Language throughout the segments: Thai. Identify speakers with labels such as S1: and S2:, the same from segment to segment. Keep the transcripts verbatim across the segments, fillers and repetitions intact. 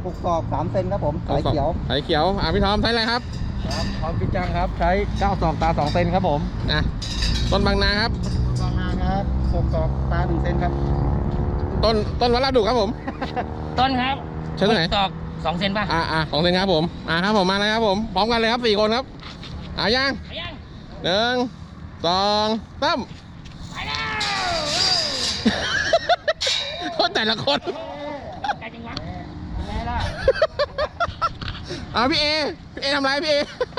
S1: หกศอกสามเซนครับผมสายเขียว
S2: สายเขียวอ่ะพี่ทอมใช้อะไรครับ
S1: ครับทอมพิจังครับใช้เก้าศอกตาสองเซนครับผม
S2: อ่ะต้นบางนาครับ
S1: บางนาครับหกศอกตาหนึ่งเซนครับ
S2: ต้นต้นวัดลาดดุครับผม
S3: ต้นครับ
S2: ใช่ตัวไหน
S3: ศอกสองเซนป่ะ
S2: อ่าอ่าสองเซนครับผมอ่าครับผมมาเลยครับผมพร้อมกันเลยครับสี่คนครับอ่ายังหนึ่งสองสาม
S3: ไปแล้ว
S2: คนแต่ละคน
S3: ไกลจังวะแม่ล่ะ
S2: อ่าพี่เอพี่เอทำไรพี่เอ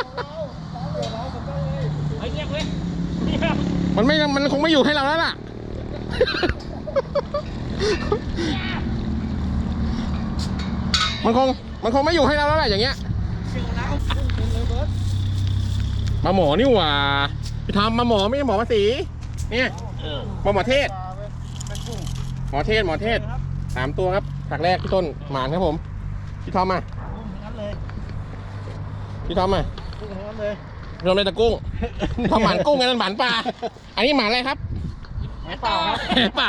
S3: เฮ้ยเงียบเว้ย
S2: มันไม่มันคงไม่อยู่ให้เราแล้วล่ะมันคงมันคงไม่อยู่ให้เราแล้วแหละอย่างเงี้ยมาหมอนี่หว่าพี่ทำมาหมอไม่ใช่หมอภาษีเนี่ยมาหมอเทศหมอเทศหมอเทศสามตัวครับฉากแรกพี่ต้นหมานครับผมพี่ทอมมาพี่ทอมมาพี่ทอมเลยตะกุ้งพี่ทอมหมานกุ้งไงนั่นหมานปลาอันนี้หมานอะไรครับ
S3: แหเปล่าครับ
S2: แหเปล่า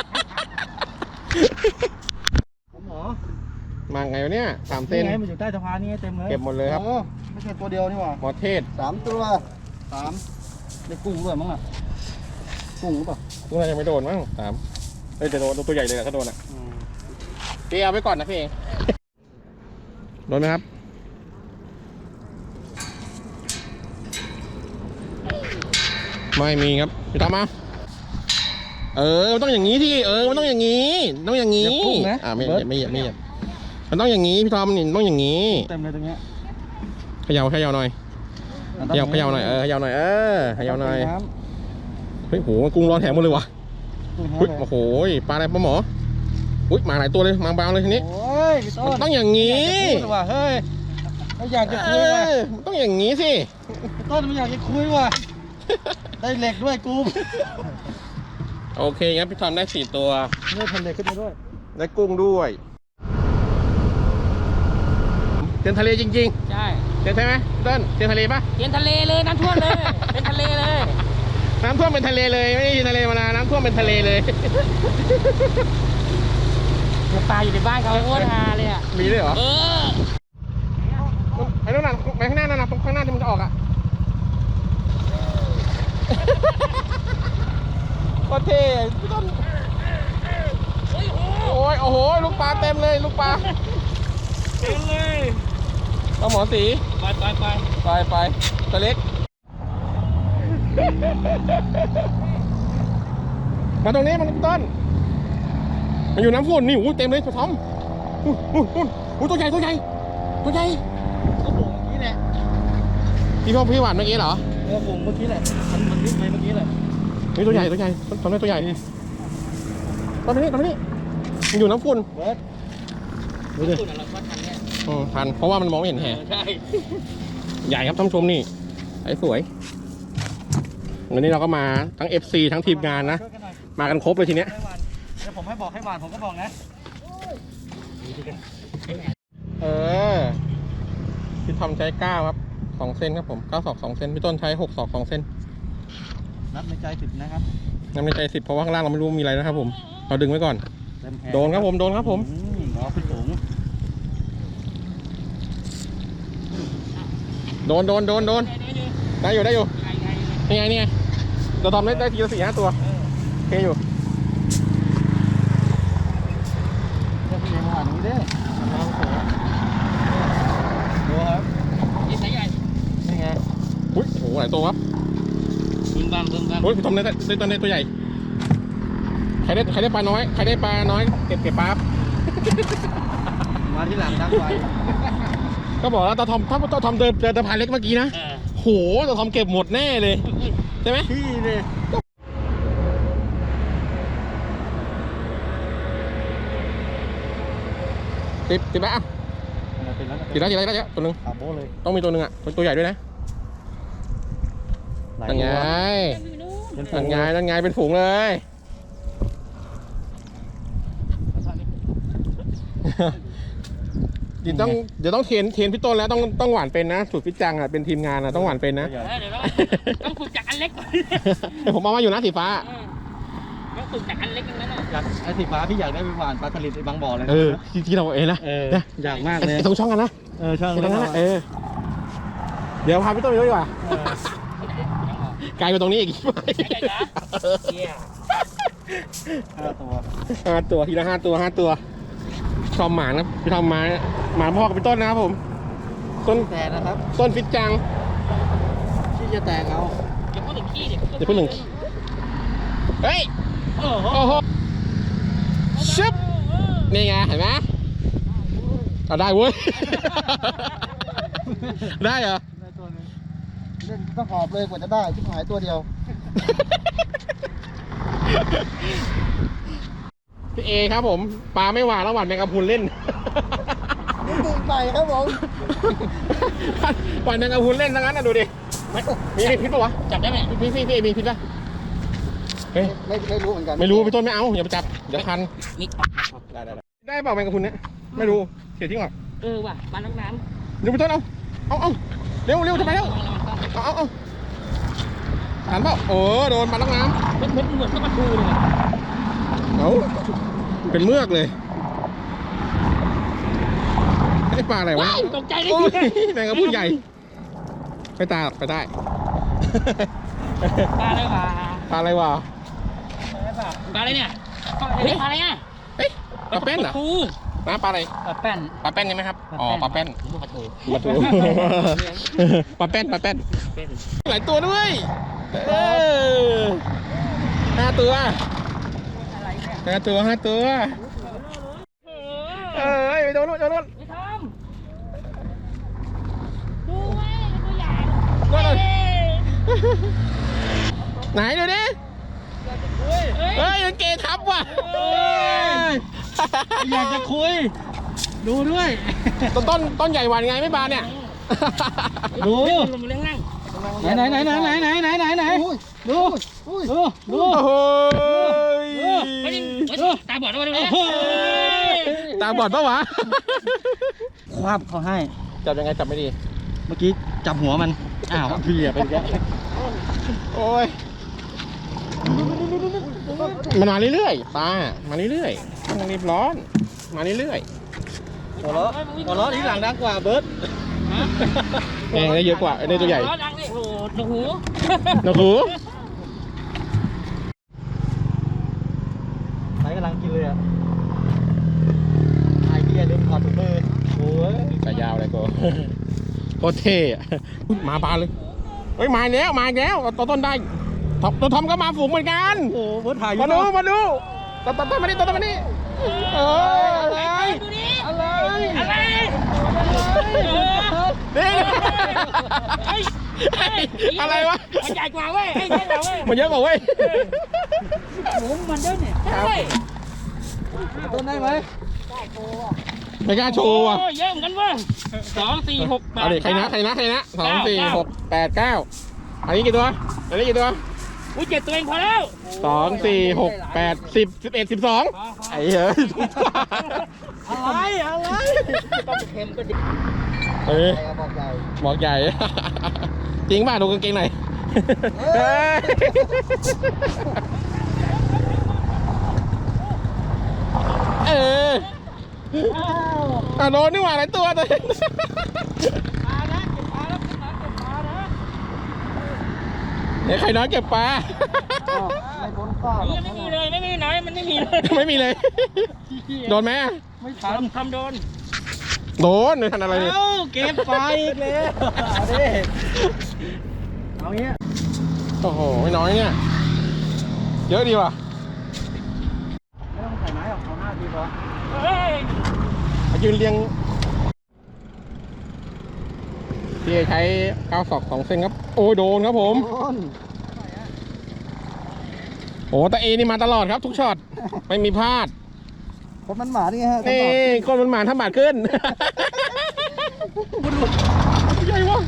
S1: หมอ
S2: มาไงวะเนี่ยสามเซน
S1: ไงมันอยู่ใต้สะพานนี่เต็มเลย
S2: เก็บหมดเลยครับ
S1: ไม่ใช่ตัวเดียวนี่หว่า
S2: หมอเทศ
S1: สามตัวสามได้กุ้งด้วยมั้งอ่ะกุ้งหรือเปล่า
S2: กุ้งน่าจะไม่โดนมั้งสามเอ้ยแต่โดนตัวใหญ่เลยถ้าโดนอ่ะพี่เอาไว้ก่อนนะพี่เองโดนไหมครับไม่มีครับพี่ตามมาเออมันต้องอย่างนี้ที่เออมันต้องอย่างนี้ต้องอย่างนี้อ่าไม่ไม่ไม่ไม่มันต้องอย่างนี้พี่ทอมนี่ต้องอย่างนี้
S1: เต็มเลยตรงเนี้ย
S2: เขย่าเขย่าหน่อยเขย่าเขย่าหน่อยเออเขย่าหน่อยเออเขย่าหน่อยเฮ้ยโหกุ้งร้อนแถมหมดเลยวะอุ้ยโอ้โหปลาอะไรปลาหมออุ้ยมาหลายตัวเลยมาบางเลยทีนี้มันต้องอย่างนี้
S1: เฮ้ยไม่อยากจะคุยว่ะ
S2: มันต้องอย่างนี้สิ
S1: ต้นไม่อยากจะคุยว่ะได้เหล็กด้วยกู
S2: โอเคงั้นพี่ทอมได้สี่ตัว
S1: ได้พันเหล็กขึ้นมาด้วย
S2: ได้กุ้งด้วยเดินทะเลจริง
S3: ๆใช่
S2: เดินใช่ไหมเดินเดินทะเลปะ
S3: เดินทะเลเลยน้ำท่วมเลยเป็นทะเลเลย
S2: น้ำท่วมเป็นทะเลเลยไม่ได้ยินทะเลมานานน้ำท่วมเป็นทะเลเลย
S3: ปลาอยู่ในบ้านเขาโคตรฮาเลยอ่ะ
S2: มีด้วยเหรอ
S3: เออ
S2: ไอ้นู่นน่ะไปข้างหน้านั่นน่ะตรงข้างหน้าที่มันจะออกอ่ะก็เท่พี่ต้นโอ้ยโอ้โหลูกปลาเต็มเลยลูกปลา
S3: เต็มเลย
S2: ปลาหมอสี
S3: ไปไปไป
S2: ไปไปตัวเล็กมาตรงนี้มันต้นมันอยู่น้ำฝนนี่อู้เต็มเลยตัวทอมอู้อู้อู้อู้ตัวใหญ่ตัวใหญ่ตัวใหญ่
S1: กระปุกเมื่อกี้แหละ
S2: พี่พ่อพี่หวานเมื่อกี้เหร
S1: อกระปุกเมื่อกี้แหละมันมันนิดไปเมื่อกี้แหละ
S2: นี่ตัวใหญ่ตัวใหญ่ตอนนี้ตัวใหญ่นี่ตอนนี้ตอนนี้มันอยู่น้ำฝุ่น
S1: เบิร์ด
S3: ดูดิเราก็ทันเนี่ย
S2: อืมทันเพราะว่ามันมองไม่เห็นแห่
S3: ใช่
S2: ใหญ่ครับท่านผู้ชมนี่ไอ้สวยวันนี้เราก็มาทั้ง เอฟ ซี ทั้งทีมงานนะมากันครบเลยทีเนี้ย
S1: เดี๋ยวผมให้บอกให้หวานผมก็บอกนะ
S2: เออพี่ทอมใช้เก้าครับสองเซนครับผมเก้าศอกสองเซนพี่ต้นใช้หกศอกสองเซน
S1: นับในใจสิบนะครับ
S2: นับในใจสิบเพราะว่าข้างล่างเราไม่รู้มีอะไรนะครับผมเราดึงไว้ก่อนโดนครับผมโดนครับผม
S1: อ๋อขึ้นสูง
S2: โดนโดนโดนโดนได้อยู่ได้อยู่นี่ไงนี่ไงเราทำได้ได้ทีละสี่ห้าตัวโอเคอยู่
S1: จะเพียงหวานนี้เด้ดูครับ
S3: นี่สายใหญ่
S1: นี่ไง
S2: อุ้ยโอ้โหหลายตัวครับ
S3: บึ้มบัมบึ้มบัม
S2: โอ้ยทำได้ได้ตัวได้ตัวใหญ่ใครได้ใครได้ปลาน้อยใครได้ปลาน้อยเก็บเก็บปลา
S1: มาที่หลังดังไว้
S2: ก็บอกแล้วตาทอมถ้าตาทอมเดินเดินตะพานเล็กเมื่อกี้นะโหตาทอมเก็บหมดแน่เลยใช่ไหม
S1: พี่เลย
S2: ติดติดไหมอ่ะติดแล้วติดแล้วติดแล้วตัวนึงต้องมีตัวนึงอ่ะตัวใหญ่ด้วยนะนั่นไงนั่นไงนั่นไงเป็นฝูงเลยเดี๋ยวต้องเดี๋ยวต้องเทรนเทรนพี่ต้นแล้วต้องต้องหวานเป็นนะสูตรพี่จังอ่ะเป็นทีมงานอ่ะต้องหวานเป็นนะ
S3: เดี๋ยวต้องฝึกจากอันเล็กก่อน
S2: ผมเอามาอยู่นะสีฟ้า
S3: ตุกจากอันเล็กนั้นน่ะ
S1: อยากไอ้สีฟ้าพี่อยากได้ไปหวานปลาสลิดไอ้บางบ่อเลย
S2: เออที่ที่เราเองนะ
S1: เออ
S2: นะ
S1: อยากมากเลย
S2: ไอ้ตรงช่องกันนะ
S1: เออช่าง
S2: ไอ้ตรงนั้นนะเออเดี๋ยวพาพี่ต้นไปด้วยดีกว่าไกลไปตรงนี้อีก
S3: ใหญ่ๆนะเยี่ย
S1: ห้าตัว
S2: ห้าตัวทีละห้าตัวห้าตัวชอบหมานะพี่ทำหมาหมาพ่อกับพี่ต้นนะครับผมต้น
S1: แต่นะครับ
S2: ต้นฟิตจัง
S1: ที่จะแตกเอา
S3: อย่าพูดถึงขี้ดิ
S2: เดี๋ยวพูดหนึ่งเฮ้ย
S3: โอ้โห
S2: โอ้โหชึบนี่ไงเห็นไหมเอาได้เว้ย ได้เหรอ
S1: ได้ตัวนึงเล่นต้องหอบเลยกว่าจะได้ชิบหายตัวเดียว
S2: พี่เอครับผมปลาไม่หวานแล้วหวานแมงกะพรุนเล่น
S1: ตื่นไปครับผม
S2: หวานแมงกะพรุนเล่นทั้งนั้นนะดูดิมีพิษปะวะ
S3: จับได้ไหม
S2: พี่พี่พี่เอมีพิษปะเฮ้ย
S1: ไม่ไม่รู้เหมือนกัน
S2: ไม่รู้พี่ต้นไม่เอาอย่าไปจับเดี๋ยวคัน
S3: นี่
S2: ได้ได้ได้เปล่าแมงกะพรุนเนี่ยไม่รู้เสียทิ้งหรอ
S3: เออว่ะปลาน้ำน้ำ
S2: เดี๋ยวพี่ต้นเอาเอาเอาเร็วเร็วจะไปแล้วเอาเอาเอาหันเปล่าโอ้โดนปลาลักน้
S3: เป็นเหมือนเหมือนกับปลาทูเลย
S2: ำเอาเป็นเมือกเลยไอ้ปลาอะไรวะ
S3: ว้ายตกใจเลย
S2: โอ้ยแมงกะพรุนใหญ่ไปตาไปได้
S3: ปลาอะไรวะ
S2: ปลาอะไรวะ
S3: ปลาอะไรเนี่ยเฮ้ยปลาอะไรอ่ะ
S2: เฮ้ยปลาแป้นเหรอ
S3: ทู
S2: น้ำปลาอะไร
S3: ปลาแป้น
S2: ปลาแป้นใช่ไหมครับอ๋อปลาแป้น
S3: ปลาทู
S2: ปลาทูปลาแป้นปลาแป้น
S3: เป็น
S2: หลายตัวด้วยเออห้าตัวห้าตัวห้าตัวเอ้ยไปโดนนู้นโดนนู้น
S3: ไม่ทำดูไว้ตัวใหญ่
S2: โดนนู้นไหนดูดิเฮ้ยมันเกทับว่ะ
S1: อยากจะคุย ดูด้วย
S2: ต้นต้นต้นใหญ่หวานไงไม่บานเนี่ย
S1: ดู
S3: ลงมาเลี้ยงนั่ง
S1: ไหนไหนไหนไหนไหนไหนไหนไหนดูดูดู
S2: โอ้โห
S3: ไม่ได้ตาบอดแล้วดูดิ
S2: ตาบอดปะวะ
S1: คว้าบเขาให้
S2: จับยังไงจับไม่ดี
S1: เมื่อกี้จับหัวมัน อ้าวพี่เหลี่ยไปอีกแล้ว
S2: โอ้ยมันมาเรื่อยๆปลามาเรื่อยๆไม่ต้องรีบร้อน มาเรื่อย
S1: หัวเราะหัวเราะที่หลังดังกว่าเบิร์ด
S2: ๆเองได้เยอะกว่าไอ้นี่ตัวใหญ่
S3: ดังเลยโอ้โหหู
S2: หนูหู
S1: ไหนกำลังกินเลยอ่ะไอ้เบียร์ลืมถอดถุงมือโอ้ย
S2: สายยาวเลยกูโคตรเท่อะมาปลาเลยเฮ้ยมาแล้วมาแล้วตัวต้นได้ตัวทอมก็มาฝูงเหมือนกัน
S1: โอ้เบิร์ดถ่ายอยู่
S2: มาดูมาดูตัวต้นมานี่ตัวต้นมานี่เอออะไร
S3: ดูดิ
S1: อะไร
S3: อะไร
S2: นี่อะไรวะ
S3: มันใหญ่กว่าเว้ยไอ้ใหญ่กว่าเว้ย
S2: มันเยอะกว่าเว้ย
S3: หมูมันเยอะเนี่ยใช่
S1: ต้นได้ไหม
S2: ไม่กล้าโชว์อ่ะ
S3: เยอะเหมือนกันเว้ยสองสี่หกแปด
S2: เอาดิใครนะใครนะใครนะสองสี่หกแปดเก้าอันนี้กี่ตัวอันนี้กี่ตัว
S3: อุ้ยเจ็ดตัวเองพอแล้ว
S2: สองสี่หกแปดสิบสิบเอ็ดสิบสองไอ้เฮ้ย
S1: อะไรอะไร
S3: ต้องเค็มก็ดิ
S2: เออ
S1: ใครบอกใหญ่
S2: บอกใหญ่ จริงป่ะดูกางเกงหน่อยเอออ่ะโดนนี่หว่าหลายตัวตัว
S3: ปลานะเก็บปลาแล้วขึ้นมาเก็บปลานะ
S2: เดี๋ยวใครน้อยเก็บปลา
S1: ไม่พ้นข้าว
S3: นี่ไม่มีเลยไม่มีไหนมันไม่มีเลย
S2: ไม่มีเลย โดนไหม
S1: ไม่ท
S3: ทำทำโดน
S2: โดนหรือทันอะไรเนี่ย
S1: ำเอ้าเก็บไปอีกแล้วเอาดิเอาเงี้ย
S2: โอ้โหไม่น้อยเนี่ย เยอะดีว่ะ
S1: ไม่ต้องใส่ไม้หรอกเอาหน้าดีพอ
S3: เฮ้ย
S2: มายืนเรียงพี่ใช้ก้าวศอกสองเส้นครับ โอ้ยโดนครับผม
S1: โดน
S2: โอ้ตาเอนี่มาตลอดครับทุกช็อต ไม่มีพลาด
S1: คนมันหมาดิไงฮะ
S2: นี่คนมันหมานทำบาดขึ้น ใหญ่วะ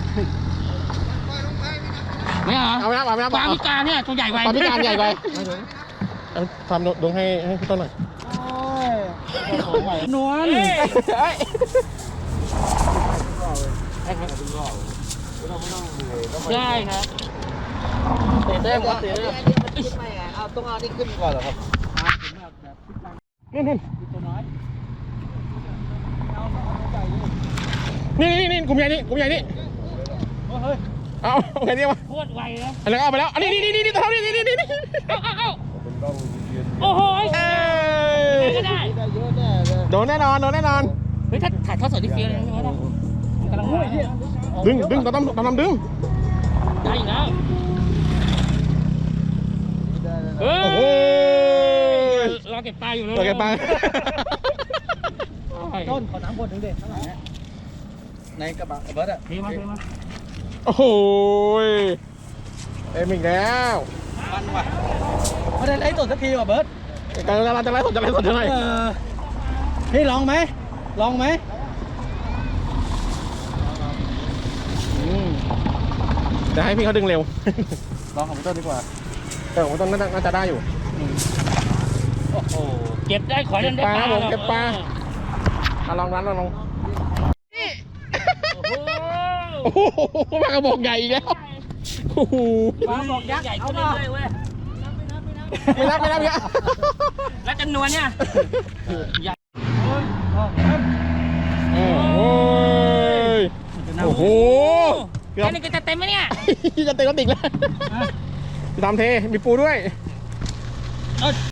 S3: ไม่เหรอ
S2: เอาไปนับเอาไปนับ
S3: ปลาพิการเนี่ยตัวใหญ่ไว
S2: ปลาพิการใหญ่ไปเอาทำดวงให้ให้พี่ต้นหน่อย
S1: โอ้ยนวล
S2: เอ้ย
S3: ได้ครับ
S1: เตะเต้มครับเตะเต้มขึ้นไม่ไงเอาต้องเอานี่ขึ้นก่อนเหรอครับอ่าถึงแบบแบบขึ้นตาม
S2: นู่นนู่น
S1: ตัวน้อยเอาเอาตัวใหญ่เลย
S2: นี่นี่นี่กลุ่มใหญ่นี่กลุ่มใหญ่นี่
S1: เฮ้ย
S2: เอาเอาไงดีวะ
S3: โคตรไวนะ
S2: อะไรก็เอาไปแล้วอันนี้นี่นี่นี่นี่ตัวนี้นี่นี่นี่
S3: เอาเอาเอาโอ้โห
S2: เอ้
S3: ไหน
S2: ย
S3: ก็ได้
S1: ได้เยอะแน่เลย
S2: โดนแน่นอนโดนแน่นอน
S3: เฮ้ยถ้าถ่ายทอดสดที่เฟี้ยวเลยนะพี่มดนะกำลังมา
S2: ดึงดึงต้องต้องต้องดึง
S3: ได้อยู่แล้ว
S1: ได้เลย
S3: เฮ้
S2: โอ้โห
S3: ยรอเก็บปลาอยู่เลย
S2: ตัวแกปลา
S1: ต้นขอน้ำคนหนึ่งเด็ดเท่าไหร่เนี่ยในกระบะเบิร์ดอะ
S3: เทมาเทมา
S2: โอ้โหเอ็มอีกแล้ว
S1: มันว่ะไม่ได้ไล่สดสักทีว่ะเบิร์ด
S2: กำลังจะไล่สดจะไล่สดจะไล่
S1: เออพี่ลองไหมลองไหม
S2: จะให้พี่เขาดึงเร็ว
S1: ลองของพี่ต้นดีกว่า
S2: แต่ผมต้นน่าจะได้อยู่
S3: โอ้โหเก็บได้ขอเล่นได้
S2: ปลาครับผม
S3: หรอ
S2: เก็บปลา เอาลองร้านลองลอง
S3: โอ้โห
S2: โอ้โหปลากระบอกใหญ่อีกแล้วโอ้โห
S3: ปลาบอกยักษ์ใหญ่ขึ้นเรื่อยๆเว้ย
S2: ไม่รับไม่รับเนี่ย
S3: แล้วจำนวนเนี่ยใหญ่
S2: โอ้โหโอ้โหเกือบ
S3: แค่นี้ก็จะเต็มไหมเนี่ย
S2: จะเต็มกระติกแล้วพี่ตามเทมีปูด้วย